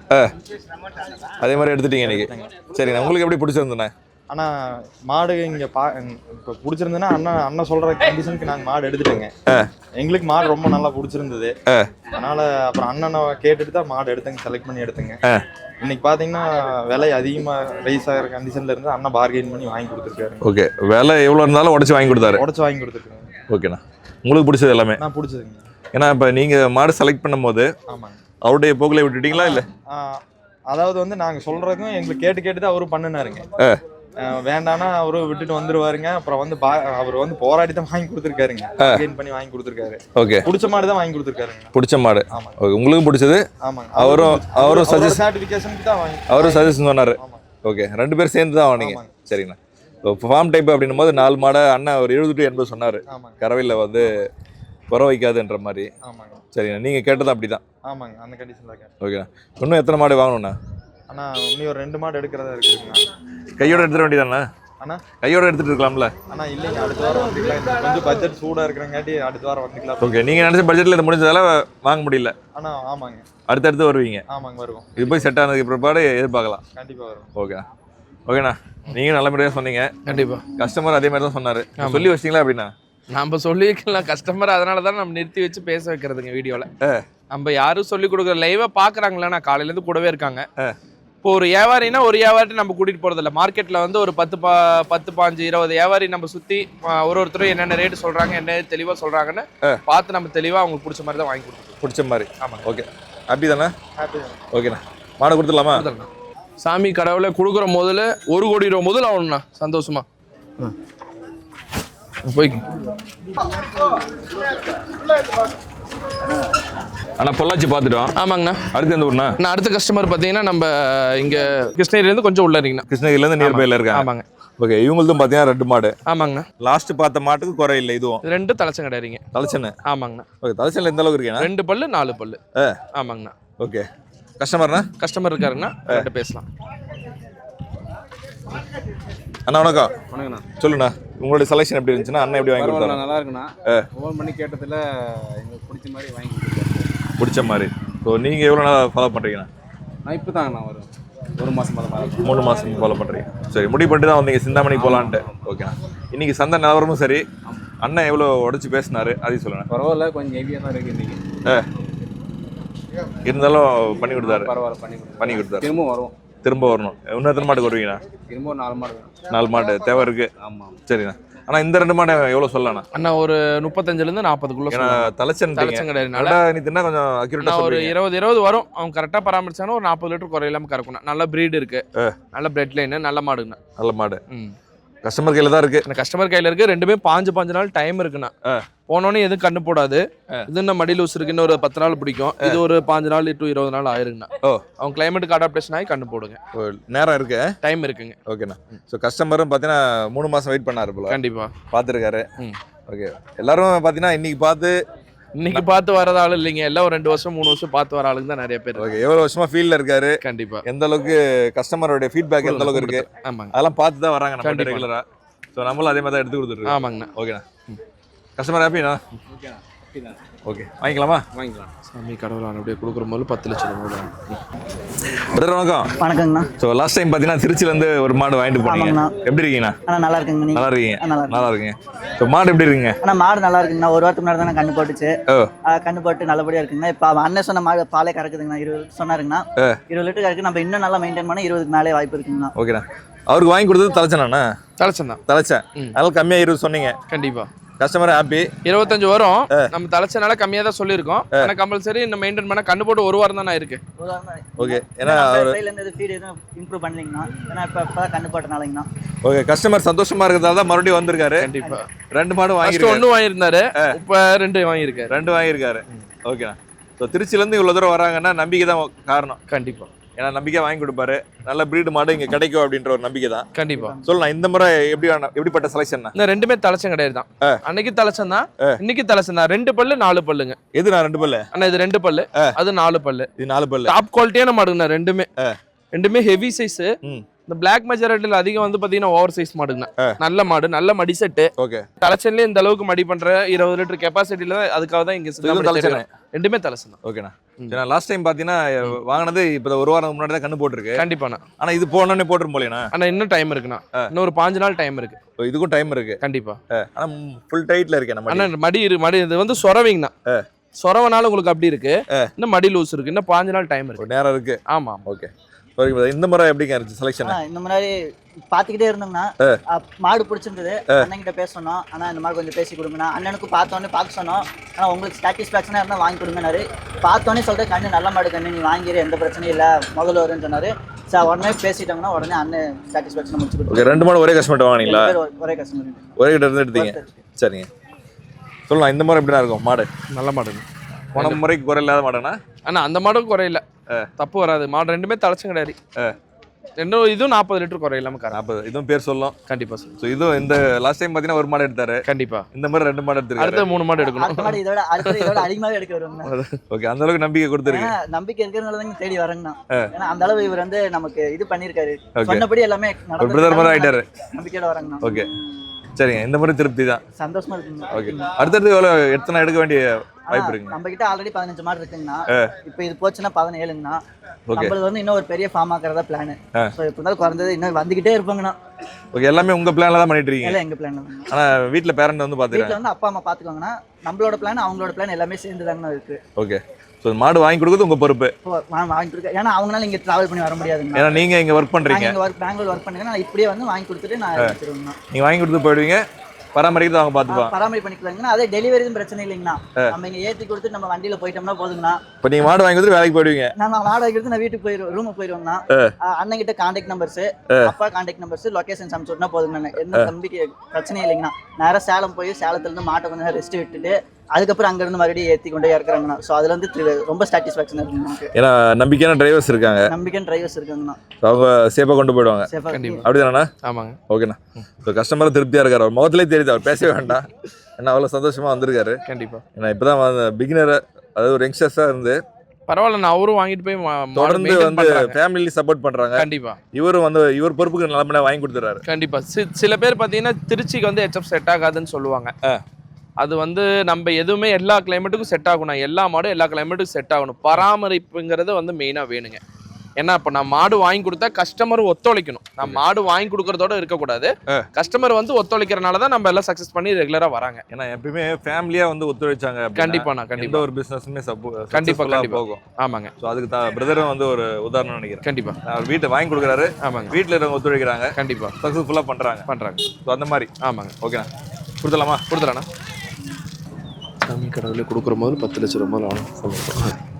Speaker 6: அதே மாதிரி எடுத்துட்டீங்க இன்னைக்கு? சரிண்ணா. உங்களுக்கு எப்படி பிடிச்சிருந்தேண்ணா?
Speaker 5: ஆனால் மாடு இங்கே இப்போ பிடிச்சிருந்ததுன்னா அண்ணன் சொல்கிற கண்டிஷனுக்கு நாங்கள் மாடு எடுத்துட்டேங்க. எங்களுக்கு மாடு ரொம்ப நல்லா பிடிச்சிருந்தது. அதனால் அப்புறம் அண்ணனை கேட்டுட்டு தான் மாடு எடுத்தேங்க, செலக்ட் பண்ணி எடுத்தேங்க. இன்னைக்கு பார்த்தீங்கன்னா விலை அதிகமாக ரைஸ் ஆகிற கண்டிஷனில் இருந்து அண்ணன் பார்கெயின் பண்ணி வாங்கி கொடுத்துருக்காரு.
Speaker 6: ஓகே. விலை எவ்வளோ இருந்தாலும் உடச்சி வாங்கி கொடுத்தாரு?
Speaker 5: உடச்சி வாங்கி கொடுத்துருக்காங்க.
Speaker 6: ஓகேண்ணா. உங்களுக்கு பிடிச்சது எல்லாமே?
Speaker 5: நான் பிடிச்சதுங்க.
Speaker 6: ஏன்னா இப்போ நீங்கள் மாடு செலக்ட் பண்ணும்போது
Speaker 5: ஆமாங்க
Speaker 6: அவருடைய போக்கில் விட்டுட்டீங்களா இல்லை?
Speaker 5: அதாவது வந்து நாங்கள் சொல்கிறதுக்கும் எங்களுக்கு கேட்டு தான் அவரும் பண்ணினாருங்க. வேண்டானா அவரும் விட்டுட்டு வந்துருவாருங்க. அப்புறம் வந்து அவர் வந்து போராடி தான் வாங்கி கொடுத்துருக்காருங்க. கெயின் பண்ணி வாங்கி கொடுத்துருக்காரு.
Speaker 6: ஓகே.
Speaker 5: பிடிச்ச மாடு தான் வாங்கி கொடுத்துருக்காருங்க.
Speaker 6: பிடிச்ச மாடு.
Speaker 5: ஆமாம்.
Speaker 6: உங்களுக்கு பிடிச்சது?
Speaker 5: ஆமாங்க.
Speaker 6: அவரும்
Speaker 5: சர்டிஃபிகேஷனுக்கு தான் வாங்கி
Speaker 6: அவரும் சஜஷன் சொன்னார். ஓகே. 2 பேர் சேர்ந்து தான் வாங்கினீங்க? சரிங்கண்ணா. இப்போ ஃபார்ம் டைப் அப்படின்னும் போது 4 மாடை அண்ணன் ஒரு 70 to 80 சொன்னார். கறவையில் வந்து குறை வைக்காதுன்ற மாதிரி.
Speaker 5: ஆமாங்க.
Speaker 6: சரிங்கண்ணா. நீங்கள் கேட்டது அப்படி தான்?
Speaker 5: ஆமாங்க. அந்த கண்டிஷனில் கேட்டேன்.
Speaker 6: ஓகேண்ணா. இன்னும் எத்தனை மாடு வாங்கணும்ண்ணா?
Speaker 5: அண்ணா இன்னும் ஒரு 2 மாடு எடுக்கிறதா இருக்குதுங்கண்ணா.
Speaker 6: கையோட எடுத்துட வேண்டியதாண்ணா?
Speaker 5: அண்ணா
Speaker 6: கையோட எடுத்துட்டு இருக்கலாம்ல?
Speaker 5: அண்ணா இல்லைங்க, அடுத்த வாரம் வந்துக்கலாம். கொஞ்சம் பட்ஜெட் சூடாக இருக்கிறங்காட்டி அடுத்த வாரம் வந்துக்கலாம்.
Speaker 6: ஓகே. நீங்கள் நினச்ச பட்ஜெட்டில் இது முடிஞ்சதால வாங்க முடியல?
Speaker 5: அண்ணா ஆமாங்க.
Speaker 6: அடுத்தடுத்து வருவீங்க?
Speaker 5: ஆமாங்க வருவோம்.
Speaker 6: இது போய் செட் ஆனதுக்கு பிற்பாடு எதிர்பார்க்கலாம்?
Speaker 5: கண்டிப்பாக வரும்.
Speaker 6: ஓகே. ஓகேண்ணா. நீங்கள் நல்ல முறையாக சொன்னீங்க.
Speaker 2: கண்டிப்பா.
Speaker 6: கஸ்டமர் அதே மாதிரி தான் சொன்னார். சொல்லி வச்சிங்களா அப்படின்னா?
Speaker 2: நம்ம சொல்லி வைக்கலாம் கஸ்டமர், அதனால தான் நம்ம நிறுத்தி வச்சு பேச வைக்கிறதுங்க வீடியோவில். நம்ம யாரும் சொல்லி கொடுக்குற லைவாக பார்க்குறாங்களா? நான் காலையிலேருந்து கூடவே இருக்காங்க. இப்போ ஒரு வியாபாரினா ஒரு வியாபாரி நம்ம கூட்டிகிட்டு போகிறதில்ல. மார்க்கெட்டில் வந்து ஒரு 10, 15, 20 வியாபாரி நம்ம சுற்றி ஒருத்தரும் என்னென்ன ரேட்டு சொல்கிறாங்க, என்ன தெளிவாக சொல்கிறாங்கன்னு பார்த்து நம்ம தெளிவாக அவங்களுக்கு பிடிச்ச மாதிரி தான் வாங்கி கொடுத்துருவோம்.
Speaker 6: பிடிச்ச மாதிரி?
Speaker 2: ஆமாம்.
Speaker 6: ஓகே. ஹாப்பி தானே?
Speaker 5: ஹாப்பி தான்.
Speaker 6: ஓகேண்ணா. மாடை கொடுத்துடலாமா?
Speaker 2: சாமி கடவுளை கொடுக்குற முதல்ல 1 கோடி ரூபா முதல்ல ஆகணும்ண்ணா. சந்தோஷமா போய்
Speaker 6: அண்ணா பொள்ளாச்சி பார்த்துட்டோம்.
Speaker 2: ஆமாங்கண்ணா.
Speaker 6: அடுத்து எந்த ஊர்ண்ணா?
Speaker 2: நான் அடுத்த கஸ்டமர் பார்த்தீங்கன்னா நம்ம இங்கே கிருஷ்ணகிரிலேருந்து கொஞ்சம் உள்ள இருக்கீங்கண்ணா.
Speaker 6: கிருஷ்ணகிரிலேருந்து நியர்பையில் இருக்காங்க.
Speaker 2: ஆமாங்க.
Speaker 6: ஓகே. இவங்களும் பார்த்தீங்கன்னா 2 மாடு.
Speaker 2: ஆமாங்கண்ணா.
Speaker 6: லாஸ்ட் பார்த்த மாட்டுக்கு குறை இல்லை. இதுவும்
Speaker 2: 2 தலைச்சம் கிடையாதுங்க.
Speaker 6: தலைச்சன்னு?
Speaker 2: ஆமாங்கண்ணா.
Speaker 6: ஓகே. தலைச்சனில் எந்த அளவுக்கு இருக்கேண்ணா?
Speaker 2: 2 பல்லு 4 பல்லு. ஆமாங்கண்ணா.
Speaker 6: ஓகே. கஸ்டமர்ண்ணா?
Speaker 2: கஸ்டமர் இருக்காருங்கண்ணா, கிட்ட பேசலாம்.
Speaker 6: அண்ணா வணக்கம்.
Speaker 7: வணக்கண்ணா.
Speaker 6: சொல்லுண்ணா. உங்களுடைய செலெக்ஷன் எப்படி இருந்துச்சுன்னா அண்ணன் எப்படி வாங்கி கொடுத்தாரு?
Speaker 7: நல்லா இருக்குண்ணா. ஃபோன் பண்ணி கேட்டதில் எங்களுக்கு பிடிச்ச மாதிரி வாங்கி கொடுத்தாரு.
Speaker 6: பிடிச்ச மாதிரி. ஸோ நீங்கள் எவ்வளோ நாளாக ஃபாலோ பண்ணுறீங்கண்ணா?
Speaker 7: நான் இப்போ தாங்கண்ணா ஒரு மாதம் மாதிரி
Speaker 6: 3 மாதம் ஃபாலோ பண்ணுறீங்க. சரி. முடிவு பண்ணிட்டு தான் வந்தீங்க சிந்தாமணி போகலான்ட்டு? ஓகேண்ணா. இன்னைக்கு சந்தை நிலவரமும் சரி, அண்ணன் எவ்வளோ உடச்சி பேசினாரு அதையும் சொல்லுண்ணா.
Speaker 7: பரவாயில்ல, கொஞ்சம் ஹெவியாக தான் இருக்குது இன்றைக்கி.
Speaker 6: இருந்தாலும் பண்ணி கொடுத்தாரு?
Speaker 7: பரவாயில்ல, பண்ணி கொடுத்தாரு.
Speaker 6: திரும்ப வரணும். இன்னும் எத்தனை மாட்டுக்கு வருவீங்கண்ணா?
Speaker 7: திரும்ப ஒரு 4 மாடு.
Speaker 6: 4 மாடு தேவை இருக்கு?
Speaker 7: ஆமாம். சரிண்ணா.
Speaker 6: ஆனால் இந்த 2 மாடு எவ்வளோ சொல்லலாம்ண்ணா?
Speaker 2: அண்ணா ஒரு 35லேருந்து 40க்குள்ள.
Speaker 6: ஏன்னா தலைச்சன்
Speaker 2: கிடையாதுனால
Speaker 6: நீ தின்னா கொஞ்சம் அக்யூரேட்டாக
Speaker 2: ஒரு 20 வரும். அவங்க கரெக்டாக பராமரிச்சானா ஒரு 40 லிட்டர் குறையில்லாமல் கறக்கணும். நல்ல ப்ரீடு இருக்கு, நல்ல பிரெட் லைன், நல்ல மாடுங்கண்ணா.
Speaker 6: நல்ல மாடு. கஸ்டமர் கையில தான் இருக்கு.
Speaker 2: இந்த கஸ்டமர் கையில இருக்கு. ரெண்டுமே 5 நாள் டைம் இருக்குண்ணா. போனோடனே எதுவும் கண்ணு போடாது. இது இன்னும் மடி லூஸ் இருக்கு, இன்னும் ஒரு 10 நாள் பிடிக்கும். இது ஒரு 5 நாள் to 20 நாள் ஆயிருங்கண்ணா. அவங்க கிளைமேட்டுக்கு அடாப்டேஷன் ஆகி கண்ணு போடுங்க.
Speaker 6: நேரம் இருக்கு,
Speaker 2: டைம் இருக்குங்க.
Speaker 6: ஓகேண்ணா. ஸோ கஸ்டமரும் பார்த்தீங்கன்னா 3 மாசம் வெயிட் பண்ணாரு போல.
Speaker 2: கண்டிப்பா
Speaker 6: பார்த்துருக்காரு. ஓகே, எல்லாரும் பார்த்தீங்கன்னா இன்னைக்கு பார்த்து
Speaker 2: வர்ற ஆள் இல்லைங்க. எல்லாம் ஒரு 2 வருஷம் 3 வருஷம் பார்த்து வர ஆளுங்க தான் நிறைய பேர்.
Speaker 6: ஓகே, எவ்வளோ வருஷமா ஃபீல்டில் இருக்காரு,
Speaker 2: கண்டிப்பா
Speaker 6: எந்த அளவுக்கு கஸ்டமரோட ஃபீட்பேக் எந்த அளவுக்கு இருக்கு,
Speaker 2: ஆமாங்க,
Speaker 6: அதெல்லாம் பார்த்து தான் வராங்க நம்ம ரெகுலரா. ஸோ நம்மளும் அதே மாதிரி தான் எடுத்து கொடுத்துருக்கோம்.
Speaker 2: ஆமாங்கண்ணா.
Speaker 6: ஓகேண்ணா. கஸ்டமர் ஹாப்பிண்ணா? ஓகே, வாங்கிக்கலாமா?
Speaker 7: வாங்கிக்கலாம்.
Speaker 2: சாமி கடவுள் அப்படியே கொடுக்குற போது 10 லட்சம் ரூபாய்.
Speaker 6: பிரதர் வணக்கம்.
Speaker 3: வணக்கங்கண்ணா.
Speaker 6: ஸோ லாஸ்ட் டைம் பார்த்தீங்கன்னா திருச்சியிலேருந்து ஒரு மாடு வாங்கிட்டு போனீங்க.
Speaker 3: ஆமாங்கண்ணா.
Speaker 6: எப்படி இருக்கீங்கண்ணா?
Speaker 3: நல்லா இருக்குங்க.
Speaker 6: நல்லா இருக்கீங்க?
Speaker 3: நல்லா
Speaker 6: நல்லா இருக்கீங்க. ஸோ மாடு எப்படி இருக்குங்க?
Speaker 3: மாடு நல்லா இருக்குங்கண்ணா. ஒரு வாரத்துக்கு முன்னாடி தான் கண்ணு போட்டுச்சு. கண்ணு போட்டு நல்லபடியா இருக்குங்கண்ணா. இப்போ அண்ணன் சொன்ன மாடு பாலே கறக்குதுங்கண்ணா. 20 சொன்னாருங்கண்ணா. 20 லிட்டர் கறக்கு. நம்ம இன்னும் நல்லா மெயின்டைன் பண்ணா 20க்கு மேலே வாய்ப்பு இருக்குங்கண்ணா.
Speaker 6: ஓகேண்ணா. அவருக்கு வாங்கி கொடுத்தது தலைச்சேண்ணா?
Speaker 2: தலைச்சேன் தான்.
Speaker 6: தலைச்சேன். அதனால கம்மியாக 20 சொன்னீங்க.
Speaker 2: கண்டிப்பா
Speaker 6: கஸ்டமர் ஹாப்பி.
Speaker 2: 25 வரும். நம்ம தலைச்சனால கம்மியா தான் சொல்லியிருக்கோம். ஆனா கம்பல்சரி இந்த மெயின்டைன் பண்ண கண்ணு போட்டு 1 வாரம் தானே இருக்கு.
Speaker 6: ஓகே, ஏன்னா
Speaker 3: ஃபீட் எதுவும் இம்ப்ரூவ் பண்ணலீங்கண்ணா. ஏன்னா இப்போ கண்ணு போட்டனாலங்கண்ணா.
Speaker 6: ஓகே, கஸ்டமர் சந்தோஷமா இருக்கிறதால தான் மறுபடியும் வந்திருக்காரு.
Speaker 2: கண்டிப்பா
Speaker 6: 2 மாடு வாங்கி
Speaker 2: 1 வாங்கியிருந்தாரு. இப்போ 2 வாங்கியிருக்காரு.
Speaker 6: 2 வாங்கியிருக்காரு. ஓகேண்ணா. ஸோ திருச்சியிலேருந்து இவ்வளோ தூரம் வராங்கன்னா நம்பிக்கை தான் காரணம்.
Speaker 2: கண்டிப்பா,
Speaker 6: ஏன்னா நம்பிக்கை வாங்கி கொடுப்பாரு. நல்ல பிரீடு மாடு இங்கே கிடைக்கும் அப்படின்ற ஒரு நம்பிக்கை தான்.
Speaker 2: கண்டிப்பா
Speaker 6: சொல்லலாம். இந்த முறை எப்படிப்பட்ட செலெக்ஷன்?
Speaker 2: இந்த ரெண்டுமே தலைச்சம் கிடையாது தான். அன்னைக்கு தலைச்சம் தான், இன்னைக்கு தலைச்சம் தான். 2 பல்லு 4 பல்லுங்க.
Speaker 6: எது நான் 2 பல்லு?
Speaker 2: அண்ணா இது 2 பல்லு, அது 4 பல்லு.
Speaker 6: இது 4 பல்லு.
Speaker 2: டாப் குவாலிட்டியான மாடுங்கண்ணா. ரெண்டுமே ஹெவி சைஸ். இந்த பிளாக் மெஜாரிட்டியில் அதிகம் வந்து பாத்தீங்கன்னா ஓவர் சைஸ் மாடுங்கண்ணா. நல்ல மாடு, நல்ல மடி செட்டு.
Speaker 6: ஓகே,
Speaker 2: தலைச்சன்லேயே இந்த அளவுக்கு மடி பண்ற 20 லிட்டர் கெப்பாசிட்டியில அதுக்காக தான் இங்க ரெண்டுமே தலைச்சம் தான்.
Speaker 6: ஓகேண்ணா. லாஸ்ட் டைம் பாத்தீங்கன்னா வாங்கினது இப்போ 1 வாரம் முன்னாடி தான் கண்ணு போட்டுருக்கு.
Speaker 2: கண்டிப்பாண்ணா.
Speaker 6: ஆனா இது போனோடனே போட்டுரும் போலேண்ணா?
Speaker 2: ஆனா இன்னும் டைம் இருக்குண்ணா. இன்னும் ஒரு 5 நாள் டைம் இருக்கு.
Speaker 6: இதுக்கும் டைம் இருக்கு.
Speaker 2: கண்டிப்பா.
Speaker 6: ஆனா ஃபுல் டைட்ல இருக்கு நம்ம.
Speaker 2: ஆனா மடி இது வந்து சொரவிங்கண்ணா. சொரவனால உங்களுக்கு அப்படி இருக்கு. இன்னும் மடி லூஸ் இருக்கு. இன்னும் 5 நாள் டைம் இருக்கு.
Speaker 6: நேரம் இருக்கு.
Speaker 2: ஆமா.
Speaker 6: ஓகே, இந்த முறை எப்படிங்க இருந்துச்சு செலெக்ஷன்?
Speaker 3: இந்த மாதிரி பாத்துக்கிட்டே இருந்தோம்னா மாடு பிடிச்சிருந்தது. அண்ணன் கிட்ட பேச சொன்னோம். ஆனா இந்த மாதிரி கொஞ்சம் பேசி கொடுங்கண்ணா. அண்ணனுக்கு பார்த்தோன்னே பார்க்க சொன்னோம். ஆனா உங்களுக்கு சாட்டிஸ்ஃபேக்ஷனா இருந்தா வாங்கி கொடுங்கன்னாரு. பார்த்தோன்னே சொல்றேன், கண்ணு நல்ல மாடு கண்ணு, நீ வாங்கிடு, எந்த பிரச்சனையும் இல்லை, முதல்ல வரும்னு சொன்னாரு. சார் உடனே பேசிட்டாங்கன்னா உடனே அண்ணன் சாட்டிஸ்ஃபேக்ஷன் முடிச்சு கொடுத்து.
Speaker 6: 2 மாடு ஒரே கஸ்டமர் வாங்கினீங்களா?
Speaker 3: ஒரே கஸ்டமர்,
Speaker 6: ஒரே கிட்ட இருந்து எடுத்தீங்க. சரிங்க, சொல்லலாம். இந்த மாதிரி எப்படிதான் இருக்கும் மாடு?
Speaker 2: நல்ல மாடு.
Speaker 6: போன முறைக்கு குறை இல்லாத மாடுனா?
Speaker 2: ஆனா அந்த மாடும் குறையில, தப்பு வராது. மாடு ரெண்டுமே தலைச்சும் கிடையாது. இதுவும் 40 லிட்டர் குறையில்லாம
Speaker 6: 40. இதுவும் பேர் சொல்லும்.
Speaker 2: கண்டிப்பா சார்.
Speaker 6: ஸோ இதுவும் இந்த லாஸ்ட் டைம் பார்த்தீங்கன்னா 1 மாடு எடுத்தாரு.
Speaker 2: கண்டிப்பா.
Speaker 6: இந்த மாதிரி 2 மாடு எடுத்துருக்காரு.
Speaker 2: அடுத்த 3 மாடு எடுக்கணும்.
Speaker 3: இதோட அதிகமாகவே எடுக்க வருவாங்க.
Speaker 6: ஓகே, அந்த அளவுக்கு நம்பிக்கை கொடுத்துருக்கு.
Speaker 3: நம்பிக்கை இருக்கிறதுனால தான் தேடி வரேங்கண்ணா. ஏன்னா அந்த அளவு இவர் வந்து நமக்கு இது பண்ணிருக்காரு. சொன்னபடி எல்லாமே
Speaker 6: பிரதர் மாதிரி ஆயிட்டாரு.
Speaker 3: நம்பிக்கையோட வரேங்கண்ணா.
Speaker 6: ஓகே, சரிங்க. இந்த மாதிரி திருப்தி தான்.
Speaker 3: சந்தோஷமா இருக்குங்க.
Speaker 6: ஓகே, அடுத்தடுத்து எவ்வளோ எத்தனை எடுக்க வேண்டிய வாய்ப்பு இருக்குங்க?
Speaker 3: நம்ம கிட்ட ஆல்ரெடி 15 மாடு இருக்குங்கண்ணா. இப்போ இது போச்சுன்னா 17ங்கண்ணா. நம்மளுக்கு வந்து இன்னும் ஒரு பெரிய ஃபார்ம் ஆக்குறதா பிளான். ஸோ இப்போ இருந்தாலும் குறைஞ்சது இன்னும் வந்துகிட்டே இருப்பாங்கண்ணா.
Speaker 6: ஓகே, எல்லாமே உங்க பிளான்ல தான் பண்ணிட்டு இருக்கீங்க?
Speaker 3: இல்லை, எங்க பிளான்.
Speaker 6: ஆனா வீட்ல பேரண்ட் வந்து பாத்துறாங்க.
Speaker 3: வீட்ல வந்து அப்பா அம்மா பாத்துக்கோங்கண்ணா. நம்மளோட பிளான் அவங்களோட பிளான் எல்லாமே சேர்ந்து தாங்கண்ணா இருக்கு.
Speaker 6: ஓகே, ஸோ மாடு வாங்கி கொடுக்குறது உங்க பொறுப்பு.
Speaker 3: வாங்கி கொடுக்க, ஏன்னா அவங்களால இங்க டிராவல் பண்ணி வர முடியாதுங்க.
Speaker 6: ஏன்னா நீங்க இங்க ஒர்க் பண்றீங்க.
Speaker 3: பெங்களூர் ஒர்க் பண்ணுங்க. நான் இப்படியே வந்து வாங்கி கொடுத்துட்டு நான் வச்சிருவேங்கண்ணா.
Speaker 6: நீங்க வாங்கி கொடுத்து போயிடுவீங்க, பராமரிக்கிறது அவங்க பார்த்துப்பாங்க.
Speaker 3: பராமரி பண்ணிக்கலாங்கண்ணா. அதே டெலிவரியும் பிரச்சனை இல்லைங்கண்ணா. நம்ம இங்க ஏற்றி கொடுத்து நம்ம வண்டியில போயிட்டோம்னா போதுங்கண்ணா.
Speaker 6: இப்போ நீங்க மாடு வாங்கி கொடுத்து வேலைக்கு போயிடுவீங்க?
Speaker 3: நான் மாடு வாங்கி கொடுத்து நான் வீட்டுக்கு போயிடுவேன், ரூமுக்கு போயிடுவேங்கண்ணா. அண்ணன் கிட்ட கான்டாக்ட் நம்பர்ஸ், அப்பா கான்டாக்ட் நம்பர்ஸ், லொகேஷன் அனுப்பிச்சுனா போதுங்கண்ணா. எந்த தம்பிக்கு பிரச்சனையும் இல்லைங்கண்ணா. நேரம் சேலம் போய் சேலத்துல இருந்து மாட்டை கொஞ்சம் ரெஸ்ட் விட்டுட்டு அதுக்கப்புறம் அங்கிருந்து மறுபடியும் ஏற்றி கொண்டே இறக்குறாங்கண்ணா. ஸோ அதுல வந்து ரொம்ப சாட்டிஸ்ஃபேக்ஷன் இருக்குங்க நமக்கு.
Speaker 6: ஏன்னா நம்பிக்கையான டிரைவர்ஸ் இருக்காங்க.
Speaker 3: நம்பிக்கையான டிரைவர்ஸ் இருக்காங்கண்ணா.
Speaker 6: அவங்க சேஃபாக கொண்டு போயிடுவாங்க. அப்படிதானண்ணா?
Speaker 2: ஆமாங்க.
Speaker 6: ஓகேண்ணா. ஸோ கஸ்டமர் திருப்தியா இருக்காரு. அவர் முகத்திலே தெரியுது, அவர் பேசவே வேண்டாம். ஏன்னா அவ்வளோ சந்தோஷமா வந்திருக்காரு.
Speaker 2: கண்டிப்பா.
Speaker 6: ஏன்னா இப்போதான் பிகினர், அதாவது ஒரு யங்ஸ்டர்ஸா இருந்து
Speaker 2: பரவாயில்ல, நான் அவரும் வாங்கிட்டு போய்
Speaker 6: தொடர்ந்து வந்து ஃபேமிலி சப்போர்ட் பண்றாங்க.
Speaker 2: கண்டிப்பா.
Speaker 6: இவரும் வந்து இவர் பொறுப்புக்கு நல்லபடியா வாங்கி கொடுத்துறாரு.
Speaker 2: கண்டிப்பா. சில பேர் பாத்தீங்கன்னா திருச்சிக்கு வந்து HF செட் ஆகாதுன்னு சொல்லுவாங்க. அது வந்து நம்ம எதுவுமே எல்லா கிளைமேட்டுக்கும் செட் ஆகணும். எல்லா மாடும் எல்லா கிளைமேட்டுக்கும் செட் ஆகணும். பராமரிப்புங்கிறது வந்து மெயினா வேணுங்க. ஏன்னா இப்போ நான் மாடு வாங்கி கொடுத்தா கஸ்டமர் ஒத்துழைக்கணும். நான் மாடு வாங்கி கொடுக்கறதோட இருக்கக்கூடாது. கஸ்டமர் வந்து ஒத்துழைக்கிறனால தான் நம்ம எல்லாம் சக்சஸ் பண்ணி ரெகுலரா வராங்க.
Speaker 6: ஏன்னா எப்பயுமே ஃபேமிலியா வந்து ஒத்துழைச்சாங்க.
Speaker 2: கண்டிப்பாண்ணா. கண்டிப்பா.
Speaker 6: ஒரு பிசினஸ்மே
Speaker 2: கண்டிப்பா
Speaker 6: போகும்.
Speaker 2: ஆமாங்க.
Speaker 6: ஸோ அதுக்கு தான் பிரதரும் வந்து ஒரு உதாரணம் நினைக்கிறேன்.
Speaker 2: கண்டிப்பா.
Speaker 6: அவர் வீட்டை வாங்கி கொடுக்குறாரு.
Speaker 2: ஆமாங்க.
Speaker 6: வீட்டில் இருக்கவங்க ஒத்துழைக்கிறாங்க.
Speaker 2: கண்டிப்பா.
Speaker 6: சக்ஸஸ்ஃபுல்லாக பண்றாங்க. ஸோ அந்த மாதிரி.
Speaker 2: ஆமாங்க.
Speaker 6: ஓகேண்ணா, கொடுத்துடலாமா?
Speaker 2: கொடுத்துடலாண்ணா. சாமி கடவுளே கொடுக்குற போது 10 லட்சம் ரூபாய் ஆகும்.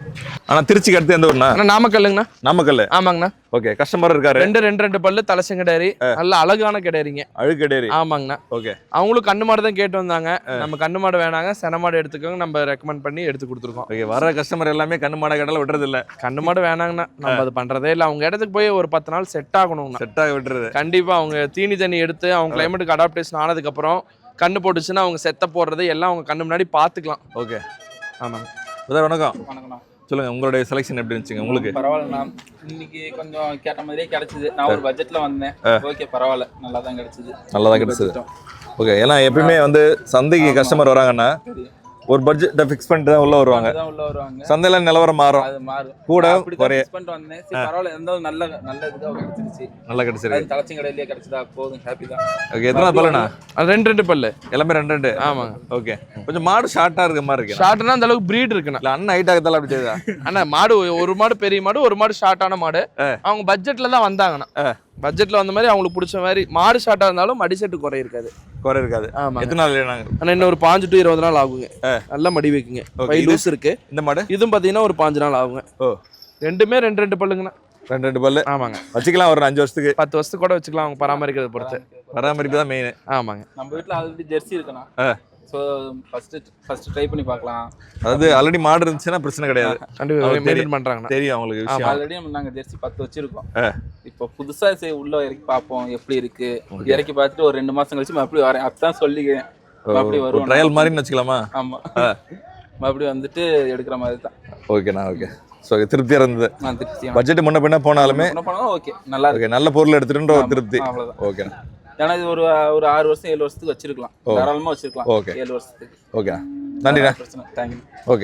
Speaker 6: ஆனா திருச்சிக்கு அடுத்து எந்த ஊர்னா?
Speaker 2: ஆனா நாமக்கல்லுங்கண்ணா.
Speaker 6: நாமக்கல்.
Speaker 2: ஆமாங்கண்ணா.
Speaker 6: ஓகே, கஸ்டமர் இருக்காரு.
Speaker 2: ரெண்டு பல்லு தலைச்சங்கடாரி, நல்ல அழகான கிடாரிங்க.
Speaker 6: அழுக்கடேரி.
Speaker 2: ஆமாங்கண்ணா.
Speaker 6: ஓகே.
Speaker 2: அவங்களும் கண்ணு மாடு தான் கேட்டு வந்தாங்க. நம்ம கண்ணு மாடு வேணாங்க, சென மாடு எடுத்துக்கோங்க, நம்ம ரெக்கமெண்ட் பண்ணி எடுத்து கொடுத்துருக்கோம்.
Speaker 6: ஓகே, வர கஸ்டமர் எல்லாமே கண்ணு மாட கடல விடுறது இல்ல.
Speaker 2: கண்ணு மாடு வேணாங்கண்ணா, நம்ம அது பண்றதே இல்லை. அவங்க இடத்துக்கு போய் ஒரு 10 நாள் செட் ஆகணுங்கண்ணா.
Speaker 6: செட் ஆக விட்டுறது.
Speaker 2: கண்டிப்பா அவங்க தீனி தண்ணி எடுத்து அவங்க கிளைமேட்டுக்கு அடாப்டேஷன் ஆனதுக்கு அப்புறம் கண்ணு போட்டுச்சுன்னா அவங்க செத்த போடுறது எல்லாம் அவங்க கண்ணு முன்னாடி பாத்துக்கலாம்.
Speaker 6: ஓகே.
Speaker 2: ஆமாங்க.
Speaker 6: வணக்கம்.
Speaker 8: வணக்கம்ண்ணா.
Speaker 6: சொல்லுங்க, உங்களுடைய செலெக்ஷன் எப்படி இருந்துச்சுங்க உங்களுக்கு?
Speaker 8: பரவாயில்லண்ணா, இன்னைக்கு கொஞ்சம் கேட்ட மாதிரியே கிடைச்சது. நான் ஒரு பட்ஜெட்ல வந்தேன். ஓகே, பரவாயில்ல, நல்லா தான் கிடைச்சது.
Speaker 6: நல்லா தான் கிடைச்சது. ஓகே, ஏன்னா எப்பயுமே வந்து சந்தைக்கு கஸ்டமர் வராங்கன்னா ஒரு பட்ஜெட்டை ஃபிக்ஸ் பண்ணிட்டு தான் உள்ள வருவாங்க. சந்தையில நிலவரம் மாறும்,
Speaker 8: அது மாறும்
Speaker 6: கூட குறைய.
Speaker 8: ஃபிக்ஸ் பண்ணிட்டு வந்தேன். சரி, பரவாயில்ல, இருந்தாலும் நல்ல இதுதான் கிடைச்சிருச்சு.
Speaker 6: நல்லா கிடைச்சிருக்கு.
Speaker 8: தலைச்சிங் கடையிலேயே கிடைச்சதா, போதும், ஹாப்பி தான்.
Speaker 6: ஓகே, எத்தனை பல்லுண்ணா?
Speaker 2: அது ரெண்டு பல்லு
Speaker 6: எல்லாமே ரெண்டு.
Speaker 2: ஆமாங்க.
Speaker 6: ஓகே, கொஞ்சம் மாடு ஷார்ட்டா இருக்க மாதிரி இருக்கு.
Speaker 2: ஷார்ட்னா அந்த அளவுக்கு பிரீட் இருக்குண்ணா.
Speaker 6: இல்ல அண்ணன் ஹைட் ஆகத்தால அப்படி தெரியுதா?
Speaker 2: அண்ணா மாடு ஒரு மாடு பெரிய மாடு, ஒரு மாடு ஷார்ட்டான மாடு. அவங்க பட்ஜெட்ல தான் வந்தாங்கண்ணா. பட்ஜெட்ல வந்த மாதிரி அவங்களுக்கு பிடிச்ச மாதிரி மாடு ஷார்ட்டா இருந்தாலும் மடி செட்டு குறை இருக்காது.
Speaker 6: குறை இருக்காது.
Speaker 2: ஆமா.
Speaker 6: எத்தனை நாள் நாங்க?
Speaker 2: ஆனா இன்னும் ஒரு 5 to 20 நாள் ஆகுங்க. நல்லா மடி வைக்குங்க. பை லூஸ் இருக்கு.
Speaker 6: இந்த மாடு
Speaker 2: இதுவும் பாத்தீங்கன்னா ஒரு 5 நாள் ஆகுங்க.
Speaker 6: ஓ,
Speaker 2: ரெண்டுமே ரெண்டு பல்லுங்கண்ணா.
Speaker 6: ரெண்டு பல்லு.
Speaker 2: ஆமாங்க.
Speaker 6: வச்சுக்கலாம், ஒரு 5 வருஷத்துக்கு
Speaker 2: 10 வருஷத்துக்கு கூட வச்சுக்கலாம். அவங்க பராமரிக்கிறத பொறுத்து.
Speaker 6: பராமரிப்பு தான் மெயின்.
Speaker 2: ஆமாங்க.
Speaker 8: நம்ம வீட்டில் ஆல்ரெடி ஜெர்சி இருக்குண்ணா. ஸோ ஃபர்ஸ்ட் ட்ரை பண்ணி பார்க்கலாம்.
Speaker 6: அதாவது ஆல்ரெடி மாடு இருந்துச்சுன்னா பிரச்சனை கிடையாது.
Speaker 2: கண்டிப்பா மெயின்டைன் பண்றாங்கண்ணா.
Speaker 6: தெரியும் அவங்களுக்கு விஷயம்.
Speaker 8: ஆல்ரெடி நாங்கள் ஜெர்சி 10 வச்சிருக்கோம். இப்போ புதுசா உள்ள இறக்கி பார்ப்போம் எப்படி இருக்கு. இறக்கி பார்த்துட்டு ஒரு 2 மாசம் கழிச்சு மறுபடியும் வரேன். அப்பதான் சொல்லிக்கிறேன். மறுபடியும் வருவோம்.
Speaker 6: ட்ரையல் மாதிரின்னு வச்சுக்கலாமா?
Speaker 8: ஆமா, மறுபடியும் வந்துட்டு எடுக்கிற மாதிரி தான்.
Speaker 6: ஓகேண்ணா. ஓகே, ஸோ திருப்தியாக இருந்தது.
Speaker 8: திருப்தி.
Speaker 6: பட்ஜெட் முன்ன பின்ன போனாலுமே
Speaker 8: ஓகே, நல்லா
Speaker 6: இருக்கு. நல்ல பொருள் எடுத்துட்டு ஒரு திருப்தி.
Speaker 8: அவ்வளோதான்.
Speaker 6: ஓகேண்ணா.
Speaker 8: ஏன்னா இது ஒரு 6 வருஷம் 7 வருஷத்துக்கு வச்சிருக்கலாம். தாராளமா வச்சிருக்கலாம்.
Speaker 6: ஓகே,
Speaker 8: 7 வருஷத்துக்கு.
Speaker 6: ஓகே, நன்றிண்ணா.
Speaker 8: தேங்க்யூ.
Speaker 6: ஓகே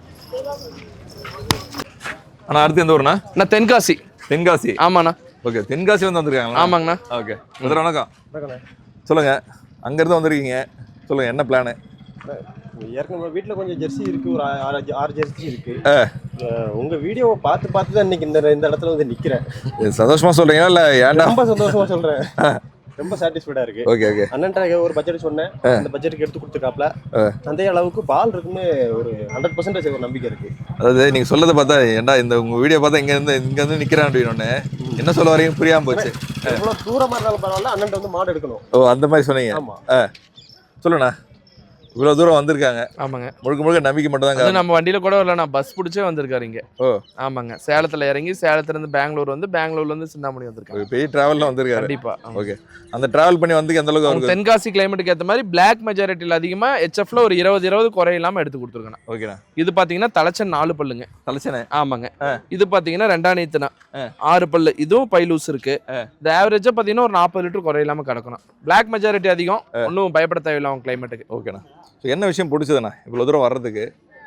Speaker 6: அண்ணா, அடுத்து எந்த ஊர்ண்ணா?
Speaker 2: நான் தென்காசி.
Speaker 6: தென்காசி.
Speaker 2: ஆமாண்ணா.
Speaker 6: ஓகே, தென்காசி வந்து வந்திருக்காங்களா?
Speaker 2: ஆமாங்கண்ணா.
Speaker 6: ஓகே, வணக்கம். சொல்லுங்க, அங்கேருந்து வந்திருக்கீங்க, சொல்லுங்க என்ன பிளானு?
Speaker 4: ஏற்கனவே வீட்டில் கொஞ்சம் ஜெர்சி இருக்கு, ஒரு 6 ஜெர்சி இருக்கு. உங்க வீடியோவை பார்த்து தான் இன்னைக்கு இந்த இடத்துல வந்து நிக்கிறேன்.
Speaker 6: சந்தோஷமா சொல்றீங்களா இல்ல ஏன்டா?
Speaker 4: ரொம்ப சந்தோஷமா சொல்றேன். ரொம்ப சாட்டிஸ்ஃபைடா இருக்கு.
Speaker 6: Okay okay.
Speaker 4: அண்ணன்ட்ட ஒரு பட்ஜெட் சொன்னேன், அந்த பட்ஜெட்டுக்கு எடுத்து கொடுத்துருக்காப்ல. அந்த அளவுக்கு பால் இருக்குன்னு ஒரு 100% ஒரு நம்பிக்கை இருக்கு.
Speaker 6: அதாவது நீங்க சொல்லதை பார்த்தா ஏன்டா இந்த உங்க வீடியோ பார்த்தா இங்க இருந்து நிக்கிறேன் அப்படின்னு என்ன சொல்ல வரீங்க புரியாம போச்சு.
Speaker 4: எவ்வளவு தூரமா இருந்தாலும் பரவாயில்ல, அண்ணன்ட்ட வந்து மாடு எடுக்கணும்.
Speaker 6: ஓ, அந்த மாதிரி சொன்னீங்க.
Speaker 4: ஆமா,
Speaker 6: சொல்லுண்ணா. இவ்வளவு தூரம் வந்திருக்காங்க.
Speaker 2: ஆமாங்க.
Speaker 6: முழுக்க நம்பிக்கை மட்டும் தாங்க.
Speaker 2: நம்ம வண்டியில கூட வரல, நான் பஸ் பிடிச்சே வந்திருக்காரு இங்க.
Speaker 6: ஓ,
Speaker 2: ஆமாங்க. சேலத்துல இறங்கி சேலத்துல இருந்து பெங்களூர் வந்து பெங்களூர்ல இருந்து சிந்தாமணி வந்திருக்காங்க.
Speaker 6: பெரிய டிராவல்ல வந்திருக்காரு.
Speaker 2: கண்டிப்பா.
Speaker 6: ஓகே, அந்த டிராவல் பண்ணி வந்து எந்த அளவுக்கு
Speaker 2: அவங்க தென்காசி கிளைமேட்டுக்கு ஏற்ற மாதிரி பிளாக் மெஜாரிட்டியில் அதிகமா HFல ஒரு 20 குறை இல்லாம எடுத்து கொடுத்துருக்கேன்.
Speaker 6: ஓகேண்ணா.
Speaker 2: இது பாத்தீங்கன்னா தலைச்சன் 4 பல்லுங்க.
Speaker 6: தலைச்சனே.
Speaker 2: ஆமாங்க. இது பாத்தீங்கன்னா 2 நீத்துனா 6 பல்லு. இதுவும் பை லூஸ் இருக்கு. இந்த ஆவரேஜா பாத்தீங்கன்னா ஒரு 40 லிட்டர் குறை இல்லாம கிடக்கணும். பிளாக் மெஜாரிட்டி அதிகம், ஒன்றும் பயப்பட தேவையில்லை அவங்க கிளைமேட்டுக்கு.
Speaker 6: ஓகேண்ணா. என்ன விஷயம் பிடிச்சதுண்ணா இவ்வளவு தூரம் வர்றதுக்கு?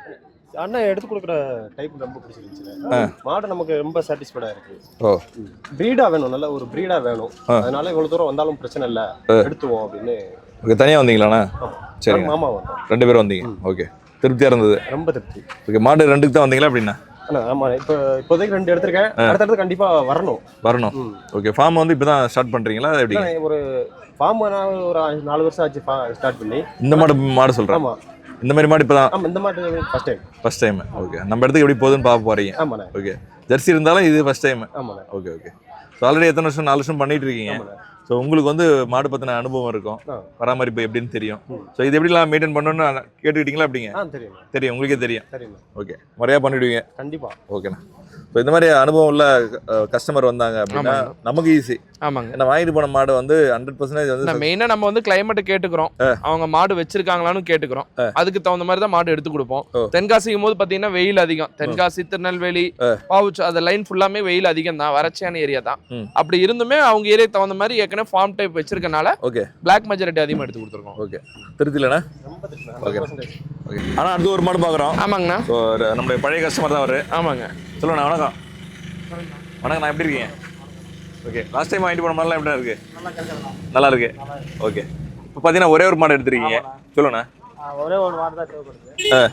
Speaker 4: அண்ணன் எடுத்து கொடுக்குற டைப் ரொம்ப பிடிச்சிருந்துச்சு. மாடு நமக்கு ரொம்ப சாட்டிஸ்ஃபைடா இருக்கு.
Speaker 6: ஓ,
Speaker 4: பிரீடா வேணும், நல்ல ஒரு பிரீடா வேணும். அதனால இவ்வளவு தூரம் வந்தாலும் பிரச்சனை இல்லை, எடுத்துவோம் அப்படின்னு.
Speaker 6: ஓகே, தனியா வந்தீங்களாண்ணா? சரி,
Speaker 4: மாமா வந்தோம்.
Speaker 6: 2 பேரும் வந்தீங்க. ஓகே, திருப்தியா இருந்தது.
Speaker 4: ரொம்ப திருப்தி.
Speaker 6: ஓகே, மாடு 2க்கு தான் வந்தீங்களா அப்படின்னா?
Speaker 4: ஆமா, இப்போதைக்கு 2 எடுத்திருக்கேன். அடுத்தடுத்து கண்டிப்பா வரணும்.
Speaker 6: ஓகே, ஃபார்ம் வந்து இப்பதான் ஸ்டார்ட் பண்றீங்களா எப்படி?
Speaker 4: ஒரு ஃபார்ம் ஒரு 4 வருஷம் ஆச்சு ஸ்டார்ட் பண்ணி.
Speaker 6: இந்த மாடு சொல்றேன்.
Speaker 4: ஆமா,
Speaker 6: இந்த மாதிரி மாடு இப்பதான்?
Speaker 4: ஆமா, இந்த மாடு ஃபர்ஸ்ட் டைம்.
Speaker 6: ஓகே, நம்ம இடத்துக்கு எப்படி போகுதுன்னு பார்க்க போறீங்க.
Speaker 4: ஆமாண்ணே.
Speaker 6: ஓகே, ஜெர்சி இருந்தாலும் இது ஃபர்ஸ்ட் டைம்.
Speaker 4: ஆமாண்ணே.
Speaker 6: Okay okay. ஸோ ஆல்ரெடி எத்தனை வருஷம்? 4 வருஷம் பண்ணிட்டு இருக்கீங்க. ஸோ உங்களுக்கு வந்து மாடு பத்தின அனுபவம் இருக்கும், பராமரிப்பு எப்படின்னு தெரியும். ஸோ இது எப்படிலாம் மெயின்டைன் பண்ணணும்னு கேட்டுக்கிட்டீங்களா? அப்படிங்க தெரியும், உங்களுக்கே தெரியும். ஓகே, முறையாக பண்ணிவிடுவீங்க கண்டிப்பாக. ஓகேண்ணா. ஸோ இந்த மாதிரி அனுபவம் உள்ள கஸ்டமர் வந்தாங்க அப்படின்னா நமக்கு ஈஸி.
Speaker 2: ஆமாங்க.
Speaker 6: ஏன்னா வாங்கிட்டு போன மாடு வந்து 100% வந்து
Speaker 2: மெயினாக நம்ம வந்து கிளைமேட்டை கேட்டுக்கிறோம், அவங்க மாடு வச்சிருக்காங்களான்னு கேட்டுக்கிறோம். அதுக்கு தகுந்த மாதிரி தான் மாடு எடுத்து கொடுப்போம். தென்காசிக்கும் போது பார்த்தீங்கன்னா வெயில் அதிகம். தென்காசி, திருநெல்வேலி, பாவுச்சு அந்த லைன் ஃபுல்லாமே வெயில் அதிகம் தான், வறட்சியான ஏரியா தான். அப்படி இருந்துமே அவங்க ஏரியா தகுந்த மாதிரி ஏற்கனவே ஃபார்ம் டைப் வச்சிருக்கனால
Speaker 6: ஓகே
Speaker 2: பிளாக் மெஜாரிட்டி அதிகமாக எடுத்து கொடுத்துருக்கோம்.
Speaker 6: ஓகே, திருத்திலண்ணா. Okay okay. ஆனால் அடுத்து ஒரு மாடு பார்க்குறோம்.
Speaker 2: ஆமாங்கண்ணா.
Speaker 6: ஸோ நம்மளுடைய பழைய கஸ்டமர் தான் அவர்.
Speaker 2: ஆமாங்க.
Speaker 6: சொல்லுண்ணா. வணக்கம். வணக்கம், நான் எப்படி இருக்கீங்க? ஓகே, லாஸ்ட் டைம் வாங்கிட்டு போன மாடலாம் எப்படி இருக்கு? நல்லா இருக்கு. ஓகே, இப்போ பார்த்தீங்கன்னா ஒரே ஒரு மாடு எடுத்துருக்கீங்க. சொல்லுண்ணா.
Speaker 3: ஒரே ஒரு மாடு தான் தேவைப்படுது.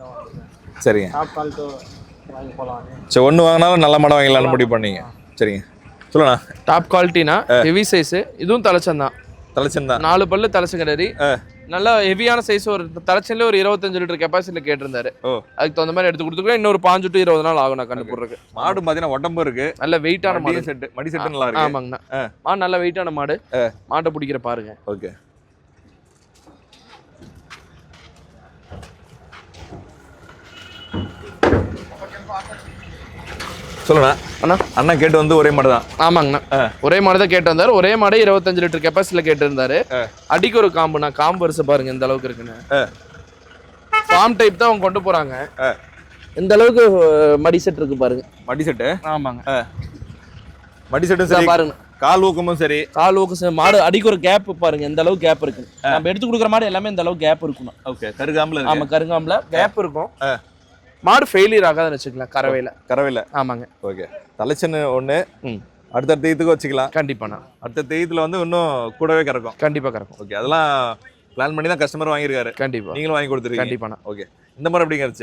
Speaker 6: சரிங்க.
Speaker 3: டாப் குவாலிட்டி வாங்கி போகலாம்.
Speaker 6: சரி, ஒன்று வாங்கினாலும் நல்ல மாடம் வாங்கலாம்னு முடிவு பண்ணீங்க. சரிங்க, சொல்லுண்ணா.
Speaker 2: டாப் குவாலிட்டினா ஹெவி சைஸ். இதுவும் தலைச்சன் தான்.
Speaker 6: தலைச்சன் தான்.
Speaker 2: 4 பல்லு தலைச்சன் கிடையாது. நல்ல ஹெவியான சைஸ் ஒரு தலைச்சன்ல ஒரு 25 லிட்டர் கெப்பாசிட்டில கேட்டிருந்தாரு. அதுக்கு தகுந்த மாதிரி எடுத்து கொடுத்துருக்கோம். இன்னொரு 5 to 20 நாள் ஆகும் நான் கண்டு போடுறதுக்கு.
Speaker 1: மாடு பாத்தீங்கன்னா உடம்பு இருக்கு,
Speaker 2: நல்ல வெயிட்டான மாடு.
Speaker 1: மடி செட் நல்லா இருக்கு.
Speaker 2: ஆமாங்கண்ணா. மாடு நல்ல வெயிட்டான மாடு. மாட்டை பிடிக்கிற பாருங்க.
Speaker 1: ஓகே. சொல்லுண்ணா.
Speaker 2: அண்ணா
Speaker 1: அண்ணா கேட்டு வந்து ஒரே மாடு தான்.
Speaker 2: ஆமாங்கண்ணா, ஒரே மாடு தான் கேட்டு வந்தாரு. ஒரே மாடு 25 லிட்டர் கெப்பாசிட்டில கேட்டு இருந்தாரு. அடிக்கு ஒரு காம்புண்ணா, காம்பு வரிசை பாருங்க இந்த அளவுக்கு இருக்குன்னு. ஃபார்ம் டைப் தான் அவங்க கொண்டு போறாங்க. இந்த அளவுக்கு மடி செட் இருக்கு பாருங்க.
Speaker 1: மடி செட்டு.
Speaker 2: ஆமாங்க,
Speaker 1: மடி செட்டும் சரி
Speaker 2: பாருங்க.
Speaker 1: கால் ஊக்கமும் சரி.
Speaker 2: கால் ஊக்கம் மாடு அடிக்கு ஒரு கேப் பாருங்க இந்த அளவுக்கு கேப் இருக்கு. நம்ம எடுத்து கொடுக்குற மாடு எல்லாமே இந்த அளவுக்கு கேப் இருக்கணும்.
Speaker 1: ஓகே. கருகாம்பல இருக்கு.
Speaker 2: ஆமா, கருங்காம்பல கேப் இருக்கும். மாடு ஃபெயிலியர் ஆகாதுன்னு வச்சுக்கலாம். கறவையில. ஆமாங்க.
Speaker 1: ஓகே. தலைச்சன்னு ஒண்ணு அடுத்த தேய்த்துக்கு வச்சுக்கலாம்.
Speaker 2: கண்டிப்பாண்ணா.
Speaker 1: அடுத்த தேய்த்துல வந்து இன்னும் கூடவே கறக்கும்.
Speaker 2: கண்டிப்பா கறக்கும்.
Speaker 1: ஓகே. அதெல்லாம் பிளான் பண்ணி தான் கஸ்டமர் வாங்கியிருக்காரு.
Speaker 2: கண்டிப்பா
Speaker 1: நீங்களும் வாங்கி கொடுத்துருக்கீங்க.
Speaker 2: கண்டிப்பாண்ணா.
Speaker 1: ஓகே. இந்த மாதிரி எப்படிங்க இருந்துச்சு?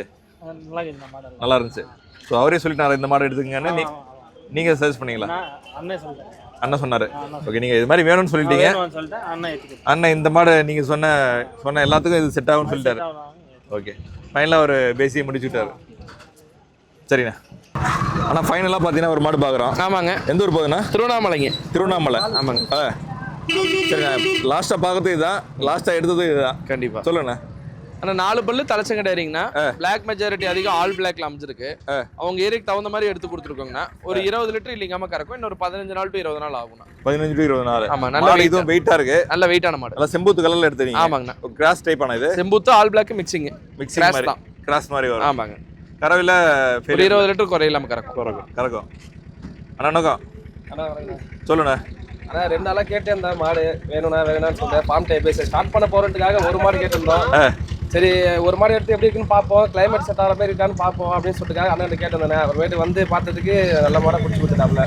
Speaker 1: நல்லா இருந்துச்சு. ஸோ அவரே சொல்லிட்டாரு இந்த மாடு எடுத்துக்கங்கன்னு. நீங்க சஜஸ்ட் பண்ணீங்களா? அண்ணன் சொன்னாரு. ஓகே. நீங்க இது மாதிரி வேணும்னு சொல்லிட்டீங்க. அண்ணன் இந்த மாடு நீங்க சொன்ன எல்லாத்துக்கும் இது செட் ஆகும்னு சொல்லிட்டாரு. ஓகே. ஃபைனலாக ஒரு பேசியை முடிச்சுட்டாரு. சரிண்ணா. ஆனால் ஃபைனலாக பார்த்தீங்கன்னா ஒரு மாடு பார்க்குறோம்.
Speaker 2: ஆமாங்க.
Speaker 1: எந்த ஊர் போகுதுண்ணா?
Speaker 2: திருவண்ணாமலைங்க.
Speaker 1: திருவண்ணாமலை.
Speaker 2: ஆமாங்க.
Speaker 1: சரிண்ணா. லாஸ்ட்டாக பார்க்கறது இதுதான், லாஸ்ட்டாக எடுத்தது இதுதான்.
Speaker 2: கண்டிப்பாக
Speaker 1: சொல்லுண்ணா.
Speaker 2: ஆனால் 4 பல்லு தலைச்சங்கடைறீங்கன்னா பிளாக் மெஜாரிட்டி அதிகம் ஆல் பிளாக்ல அமைஞ்சிருக்கு. அவங்க ஏரியாக்கு தகுந்த மாதிரி எடுத்து கொடுத்துருக்கோங்கண்ணா. ஒரு 20 லிட்டர் இல்லைங்காம கறக்கும். இன்னொரு 15 நாள் to 20 நாள் ஆகும்ண்ணா. 15 to 20 நாள். ஆமா. நல்ல இதுவும் வெயிட்டா இருக்கு. நல்ல வெயிட்டான மாடு. நல்ல செம்பூத்து கலர்ல எடுத்தீங்க. ஆமாங்கண்ணா. கிராஸ் டைப் ஆன இது. செம்பூத்து ஆல் பிளாக் மிக்சிங் மாதிரி தான். கிராஸ் மாதிரி வரும். ஆமாங்க. கறவையில 20 லிட்டர் குறையில்லாம கறக்கும். அண்ணா சொல்லுண்ணா.
Speaker 9: ஆனா 2 நாளா கேட்டே இருந்த மாடு வேணும்னு சொல்லிட்டு ஃபார்ம் டைப் ஸ்டார்ட் பண்ண போறதுக்காக ஒரு மாடு கேட்டிருந்தோம். சரி ஒரு மாடு எடுத்து எப்படி இருக்குன்னு பார்ப்போம், கிளைமேட் செட் ஆகிற மாதிரி இருக்கான்னு பார்ப்போம் அப்படின்னு சொல்லிட்டு அண்ணன் கேட்டிருந்தேன். அப்புறமேட்டு வந்து பார்த்ததுக்கு நல்ல மாடை பிடிச்சி கொடுத்துட்டாப்ல.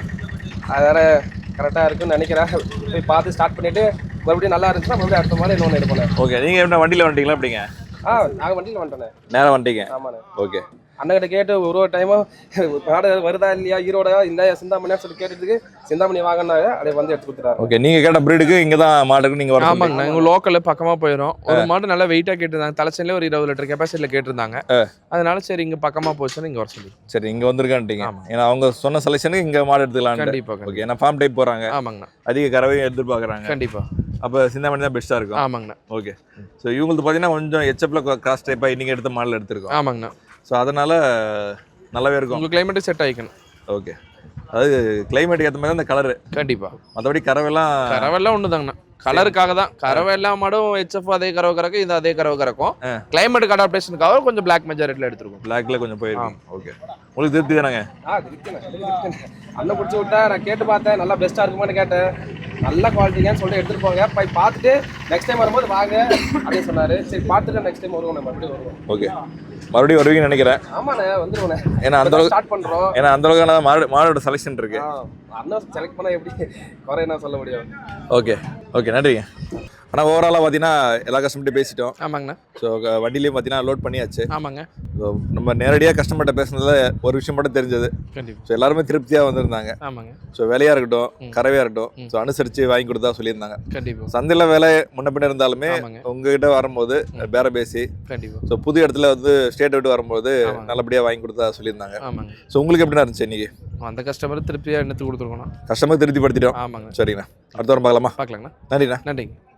Speaker 9: அதனால கரெக்டாக இருக்குன்னு நினைக்கிறேன். போய் பார்த்து ஸ்டார்ட் பண்ணிட்டு மறுபடியும் நல்லா இருந்துச்சுன்னா மறுபடியும் அடுத்த மாதிரி இன்னொன்று எடுப்பேன்.
Speaker 1: ஓகே. நீங்கள் எப்படி வண்டியில் வந்துட்டீங்களா? அப்படிங்க?
Speaker 9: நாங்கள் வண்டியில் வந்துட்டேன்.
Speaker 1: நேரம் வந்துட்டீங்க?
Speaker 9: ஆமாண்ணே.
Speaker 1: ஓகே.
Speaker 9: அண்ணகிட்ட கேட்டு ஒரு டைமும் மாடு வருதா இல்லையா, ஈரோடா இந்த சிந்தாமணியா சொல்லி கேட்டதுக்கு சிந்தாமணி வாங்கினாங்க, அதை வந்து எடுத்து கொடுத்துட்டாரு.
Speaker 1: ஓகே. நீங்கள் கேட்ட ப்ரீடுக்கு இங்கே தான் மாடுக்கு நீங்கள் வர?
Speaker 2: ஆமாங்கண்ணா. எங்கள் லோக்கலில் பக்கமாக போயிடும். ஒரு மாடு நல்லா வெயிட்டாக கேட்டிருந்தாங்க. தலைச்சன்லேயே ஒரு 20 லிட்டர் கெப்பாசிட்டியில் கேட்டிருந்தாங்க. அதனால சரி இங்கே பக்கமாக போச்சுன்னு இங்கே வர சொல்லி.
Speaker 1: சரி இங்கே வந்திருக்கான்ட்டீங்க. ஏன்னா அவங்க சொன்ன செலெக்ஷனுக்கு இங்கே மாடு எடுத்துக்கலாம்.
Speaker 2: கண்டிப்பாக.
Speaker 1: ஓகே. ஏன்னா ஃபார்ம் டைப் போகிறாங்க.
Speaker 2: ஆமாங்கண்ணா.
Speaker 1: அதிக கறவையும் எதிர்பார்க்குறாங்க.
Speaker 2: கண்டிப்பாக.
Speaker 1: அப்போ சிந்தாமணி தான் பெஸ்ட்டாக இருக்கும்.
Speaker 2: ஆமாங்கண்ணா.
Speaker 1: ஓகே. ஸோ இவங்களுக்கு பார்த்தீங்கன்னா கொஞ்சம் ஹெச்எஃப்ல கிராஸ் டைப்பாக இன்றைக்கி எடுத்த மாடல் எடுத்திருக்கோம்.
Speaker 2: ஆமாங்கண்ணா.
Speaker 1: ஸோ அதனால் நல்லாவே இருக்கும்.
Speaker 2: உங்கள் கிளைமேட்டு செட் ஆகிக்கணும்.
Speaker 1: ஓகே. அதாவது கிளைமேட்டுக்கு ஏற்ற மாதிரி தான் இந்த கலரு.
Speaker 2: கண்டிப்பாக.
Speaker 1: மற்றபடி கறவைலாம்
Speaker 2: ஒன்று தாங்கண்ணா. கலருக்காக தான். கறவை எல்லா மாடும் ஹெச்எஃப் அதே கறவை கறக்கும், இது அதே கறவை கறக்கும். கிளைமேட்டுக்கு அடாப்டேஷனுக்காக கொஞ்சம் பிளாக் மெஜாரிட்டியில் எடுத்துருக்கோம்.
Speaker 1: பிளாக்ல கொஞ்சம் போயிருக்கோம். ஓகே. உங்களுக்கு திருப்தி தானங்க?
Speaker 9: அண்ணன் பிடிச்சி விட்டா நான் கேட்டு பார்த்தேன், நல்லா பெஸ்ட்டாக இருக்குமான்னு கேட்டேன். நல்ல குவாலிட்டிங்கன்னு சொல்லிட்டு எடுத்துகிட்டு போங்க. போய் பார்த்துட்டு நெக்ஸ்ட் டைம் வரும்போது வாங்க அப்படின்னு சொன்னார். சரி பார்த்துட்டு நெக்ஸ்ட் டைம் வருவோம், மறுபடியும் வருவோம்.
Speaker 1: ஓகே. மறுபடியும் வருவீங்கன்னு நினைக்கிறேன்.
Speaker 9: ஆமாண்ணே, வந்துருவோண்ணே.
Speaker 1: ஏன்னா அந்த அளவுக்கு
Speaker 9: ஸ்டார்ட் பண்ணுறோம்.
Speaker 1: ஏன்னா அந்த அளவுக்கு மாடோட செலெக்ஷன் இருக்கு.
Speaker 9: அண்ணன் செலக்ட் பண்ணால் எப்படி குறை என்ன சொல்ல முடியும்.
Speaker 1: ஓகே. ஓகே. நன்றிங்க. ஆனால் ஓவராலாக பார்த்தீங்கன்னா எல்லா கஸ்டமர்கிட்ட பேசிட்டோம்.
Speaker 2: ஆமாங்கண்ணா.
Speaker 1: ஸோ வண்டிலையும் பார்த்தீங்கன்னா லோட் பண்ணியாச்சு.
Speaker 2: ஆமாங்க.
Speaker 1: ஸோ நம்ம நேரடியாக கஸ்டமர்கிட்ட பேசுனதுல ஒரு விஷயம் மட்டும் தெரிஞ்சது.
Speaker 2: கண்டிப்பாக.
Speaker 1: ஸோ எல்லாருமே திருப்தியாக வந்திருந்தாங்க.
Speaker 2: ஆமாங்க.
Speaker 1: ஸோ விலையாக இருக்கட்டும், கறவையாக இருக்கட்டும், ஸோ அனுசரித்து வாங்கி கொடுத்தா சொல்லியிருந்தாங்க.
Speaker 2: கண்டிப்பாக.
Speaker 1: சந்தையில் விலை முன்ன பின்ன இருந்தாலுமே உங்ககிட்ட வரும்போது பேர பேசி,
Speaker 2: கண்டிப்பாக.
Speaker 1: ஸோ புது இடத்துல வந்து ஸ்டேட் விட்டு வரும்போது நல்லபடியாக வாங்கி கொடுத்தா சொல்லியிருந்தாங்க.
Speaker 2: ஆமாங்க.
Speaker 1: ஸோ உங்களுக்கு எப்படின்னா இருந்துச்சு இன்னைக்கு?
Speaker 2: அந்த கஸ்டமர் திருப்தியாக எடுத்து கொடுத்துருக்கோம்.
Speaker 1: கஸ்டமர் திருப்திப்படுத்திட்டோம்.
Speaker 2: ஆமாங்க.
Speaker 1: சரிங்கண்ணா. அடுத்த வாரம் பார்க்கலாமா?
Speaker 2: பார்க்கலாங்கண்ணா.
Speaker 1: நன்றிண்ணா.
Speaker 2: நன்றிங்க.